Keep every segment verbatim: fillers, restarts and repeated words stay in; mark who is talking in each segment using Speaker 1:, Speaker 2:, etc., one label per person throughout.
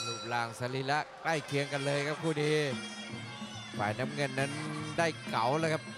Speaker 1: รูปร่างสรีระใกล้เคียงกันเลยครับคู่นี้ฝ่ายน้ำเงินนั้นได้เก๋าเลยครับ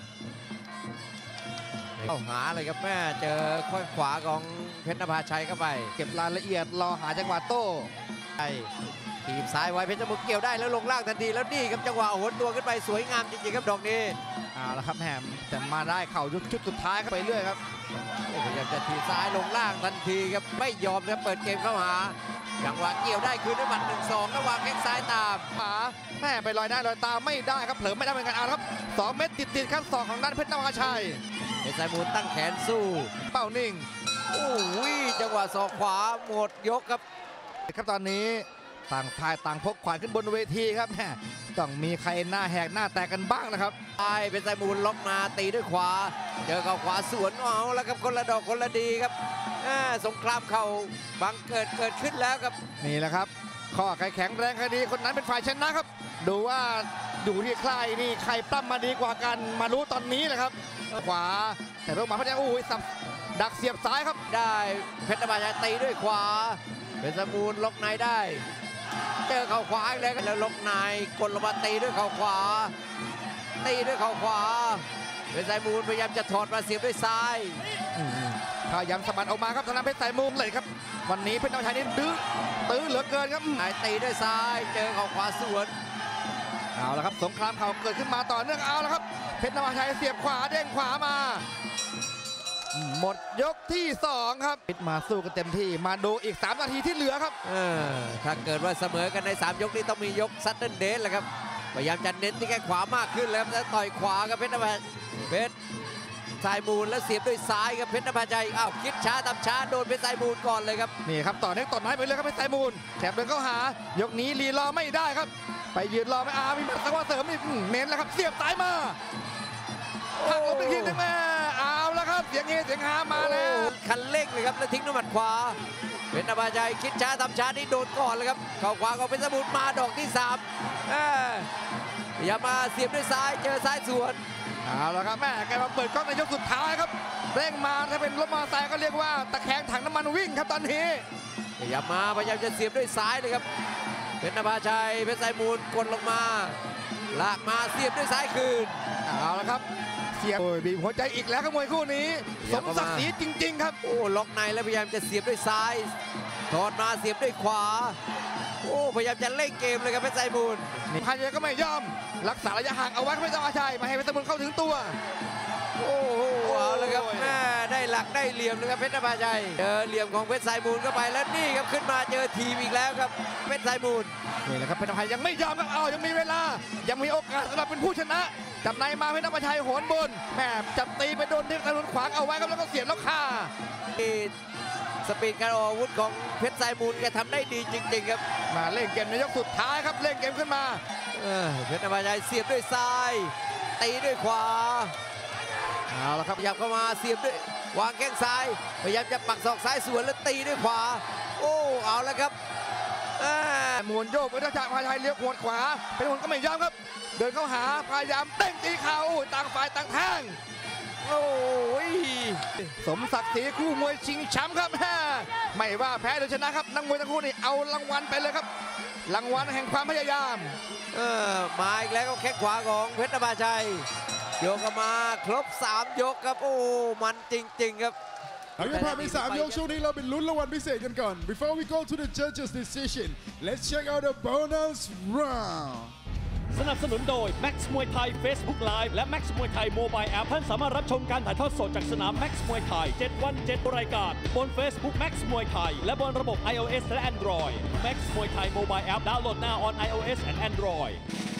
Speaker 1: เข้าหาเลยครับแม่เจอข้อขวาของเพชรนภาชัยเข้าไป
Speaker 2: เก็บรายละเอียดรอหาจังหวะโต้
Speaker 1: ไอ้ทีมซ้ายไว้เพชรสมุทรเกี่ยวได้แล้วลงล่างทันทีแล้วนี่ครับจังหวะโหนตัวขึ้นไปสวยงามจริงๆครับดอกนี้
Speaker 2: เอาละครับแหมแต่มาได้เข่ายุดชุดสุดท้ายไปเรื่อยครับ
Speaker 1: พยายามจะทีซ้ายลงล่างทันทีครับไม่ยอมครับเปิดเกมเข้าหาจังหวะเกี่ยวได้คืนด้วยหมัดหนึ่งสองระหว่างแข้งซ้ายตาม
Speaker 2: ขาแม่ไปลอยได้ลอยตามไม่ได้ครับเผลอไม่ได้เหมือนกันเอาครับสองเม็ดติดติดขั้นสองของด้านเพชรนภาชัย
Speaker 1: เพชรสายมูลตั้งแขนสู้
Speaker 2: เป้านิ่ง
Speaker 1: โอ้ยจังหวะศอกขวาหมดยกครับ
Speaker 2: ครับตอนนี้ต่างฝ่ายต่างพกขวานขึ้นบนเวทีครับแม่ต้องมีใครหน้าแหกหน้าแตกกันบ้างนะครับ
Speaker 1: ไอ้เป็นสายมูลล็อกมาตีด้วยขวาเจอกับขวาสวนเอาแล้วครับคนละดอกคนละดีครับสงครามเข่าบังเกิดเกิดขึ้นแล้วครับ
Speaker 2: นี่แหละครับข้อใครแข็งแรงคดีคนนั้นเป็นฝ่ายชนะครับดูว่าอยู่ที่ใครนี่ใครปั้มมาดีกว่ากันมารู้ตอนนี้นะครับขวาแต่เพิ่งมาพยายามโอ้ยสับดักเสียบซ้ายครับ
Speaker 1: ได้เพชรนภาชัยตีด้วยขวาเป็นสายมูลล็อกในได้เจอเข่าขวาอีกแล้วแล้วล็อกในกดลงมาตีด้วยเข่าขวาตีด้วยเข่าขวาเป็นสายมูลพยายามจะถอดมาเสียบด้วยซ้าย
Speaker 2: พยายามสะบัดออกมาครับทางด้านเพชรสายมูลเลยครับวันนี้เพชรนภาชัยนี่ดื้อตื้อเหลือเกินครับ
Speaker 1: ไหนตีด้วยซ้ายเจอเข่าขวาสวน
Speaker 2: เอาละครับสงครามเข่าเกิดขึ้นมาต่อเนื่องเอาละครับเพชรนภาชัยเสียบขวาเด้งขวามาหมดยกที่สองครับปิดมาสู้กันเต็มที่มาดูอีกสามนาทีที่เหลือครับ
Speaker 1: เออถ้าเกิดว่าเสมอกันในสามยกนี้ต้องมียกซัดเดิลเดนแหละครับพยายามจะเน้นที่แข้งขวามากขึ้นเลยครับแล้วต่อยขวากับเพชรนภาเพชรสายมูลแล้วเสียบด้วยซ้ายกับเพชรนภาชัยอ้าวคิดช้าทำช้าโดนเพชรสายมูลก่อนเลยครับ
Speaker 2: นี่ครับต่อเนื่องต่อไม้ไปเลยครับเพชรสายมูลแถบเดินเข้าหายกนี้รีรอไม่ได้ครับไปยืนรอไม่อามีหมัดสักว่าเสริมอีกเน้นแล้วครับเสียบซ้ายมาหักลงไปทีนึงแม่เอาแล้วครับเสียงเฮเสียงฮามาแล้ว
Speaker 1: คันเร่งเลยครับแล้วทิ้งด้วยหมัดขวาเพชรนภาชัยคิดช้าทำช้านี่โดนก่อนเลยครับเข่าขวาของเพชรสมุทรมาดอกที่สามอย่ามาเสียบด้วยซ้ายเจอซ้ายสวน
Speaker 2: เอาละครับแม่แกมาเปิดกล้องในยกสุดท้ายครับเร่งมาถ้าเป็นรถมอเตอร์ไซค์ก็เรียกว่าตะแคงถังน้ำมันวิ่งครับตอนนี้
Speaker 1: อย่ามาพยายามจะเสียบด้วยซ้ายเลยครับเพชรนภาชัยเพชรสายมูลกดลงมาลากมาเสียบด้วยซ้ายคืน
Speaker 2: เอาละครับเสียบโอ้ยบีบหัวใจอีกแล้วครับมวยคู่นี้สมศักดิ์ศรีจริงๆครับ
Speaker 1: โอ้ล็อกในแล้วพยายามจะเสียบด้วยซ้ายถอดมาเสียบด้วยขวาโอ้พยายามจะเล่นเกมเลยครับเพชรสายมูล
Speaker 2: พายก็ไม่ยอมรักษาระยะห่างเอาไว้ไม่ต้องอาชัยมาให้เพชรสมุทรเข้าถึงตัว
Speaker 1: โอ้โหเอาเลยครับแม่ได้หลักได้เหลี่ยมเลยครับเพชรนภาชัยเจอเหลี่ยมของเพชรสายมูลเข้าไปแล้วนี่ครับขึ้นมาเจอทีมอีกแล้วครับเพชรสายมูล
Speaker 2: นี่แหละครับเพชรนภาชัยยังไม่ยอมครับเอายังมีเวลายังมีโอกาสสำหรับเป็นผู้ชนะจับในมาเพชรนภาชัยโหนบนแม่จับตีไปโดนที่ถนนขวางเอาไว้ครับแล้วก็เสียบแล้วฆ่า
Speaker 1: สปีดการออกอาวุธของเพชรสายมูลแกทำได้ดีจริงๆครับ
Speaker 2: มาเล่นเกมในยกสุดท้ายครับเล่นเกมขึ้นมา
Speaker 1: เพชรนภาชัยเสียบด้วยซ้ายตีด้วยขวา
Speaker 2: เอาละครับ
Speaker 1: พยายามเข้ามาเสียบด้วยวางแข้งซ้ายพยายามจะปักศอกซ้ายสวนแล้วตีด้วยขวาโอ้เอาแล้วครับ
Speaker 2: หมุนโยกไปทางพาชัยเลี้ยวขวดขวาเป็นคนก็ไม่ยอมครับเดินเข้าหาพยายามเต้งตีเข่าต่างฝ่ายต่างแทง
Speaker 1: โอ้ย
Speaker 2: สมศักดิ์ศรีคู่มวยชิงแชมป์ครับไม่ว่าแพ้หรือชนะครับนักมวยทั้งคู่นี่เอารางวัลไปเลยครับรางวัลแห่งความพยายาม
Speaker 1: เออมาอีกแล้วก็แข้งขวาของเพชรนภาชัยโยกมาครบสามยกครับโอ้มันจริงๆครับ
Speaker 3: เอาอย่างผ่านไปสามยกช่วงนี้เราเป็นลุ้นรางวัลพิเศษกันก่อน Before we go to the judges decision let's check out the bonus round
Speaker 4: สนับสนุนโดย Max มวยไทย Facebook Live และ Max มวยไทย Mobile App ท่านสามารถรับชมการถ่ายทอดสดจากสนาม Max มวยไทยเจ็ดวันเจ็ดรายการบน Facebook Max มวยไทยและบนระบบ iOS และ Android Max มวยไทย Mobile App ดาวน์โหลด now on iOS and Android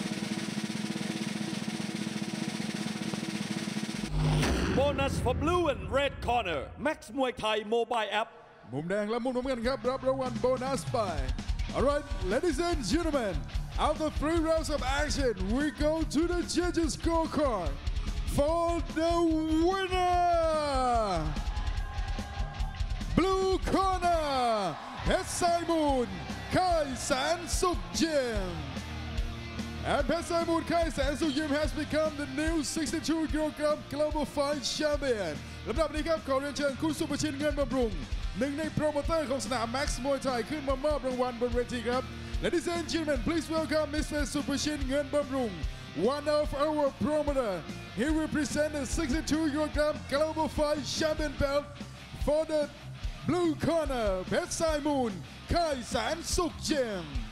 Speaker 4: Bonus for blue and red corner Max มวยไทย Mobile App
Speaker 3: มุมแดงและมุมน้ำเงินครับรับรางวัลโบนัสไป Alright ladies and gentlemen after three rounds of action we go to the judges scorecard for the winner blue corner เพชรสายมูลค่ายแสนสุขยิมAnd Phech Sai Moon Khai San Suk Yim has become the new sixty-two kilogram global fight champion ลำดับนี้ครับขอเรียนเชิญคุณสุภชินเงินบำรุงหนึ่งในโปรโมเตอร์ของสนาม Max มวยไทยขึ้นมามอบรางวัลบนเวทีครับ Ladies and gentlemen, please welcome Mister Suprashin Nguyen Bamrung, one of our promoter. He will present the sixty-two kilogram global fight champion belt for the blue corner, Pet Sai Moon, Kai San Suk Jim.